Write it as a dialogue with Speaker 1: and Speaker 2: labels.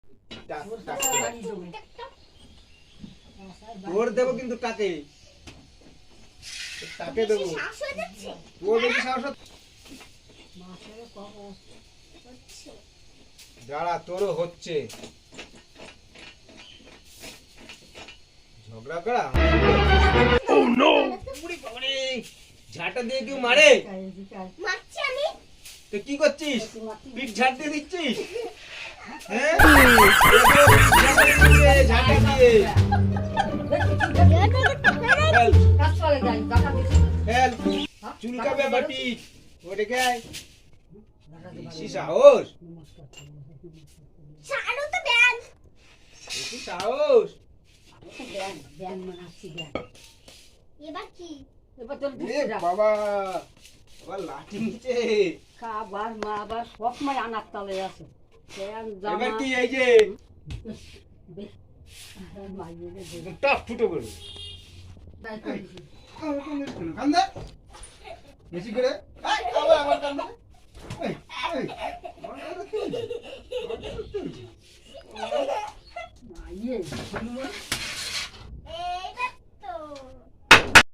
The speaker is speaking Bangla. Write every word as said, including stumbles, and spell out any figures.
Speaker 1: তোর দেবো কিন্তু তাকে তাকে দেবো তোর বেশি সাহস দাঁড়া তোরও হচ্ছে ঝগড়া করা ও নো ঝাঁটা দিয়ে কেউ মারে
Speaker 2: মারছি আমি
Speaker 1: তো কি করছিস পিঠ ঝাঁট দিয়ে দিচ্ছিস হ্যাঁ ঝাঁটা দিয়ে চুলকাবে বাটি ওটা কে বেশি সাহস
Speaker 2: ছাড়ো তো ব্যান
Speaker 1: বেশি সাহস
Speaker 3: ব্যান ব্যান মানাচ্ছি ব্যান
Speaker 2: এবার কি
Speaker 3: এবার তোর
Speaker 1: এ বাবা আবার লাঠি নিচে
Speaker 3: খাবার মা আবার সব সময় আনার তালে আছে ব্যান জামা
Speaker 1: এবার কি এই যে টাপ ফুটো করে কান্দা বেশি করে আয় আবার আবার কান্দা এই এই আমার কান্দা তুই আমার কান্দা তুই
Speaker 3: ইয়ে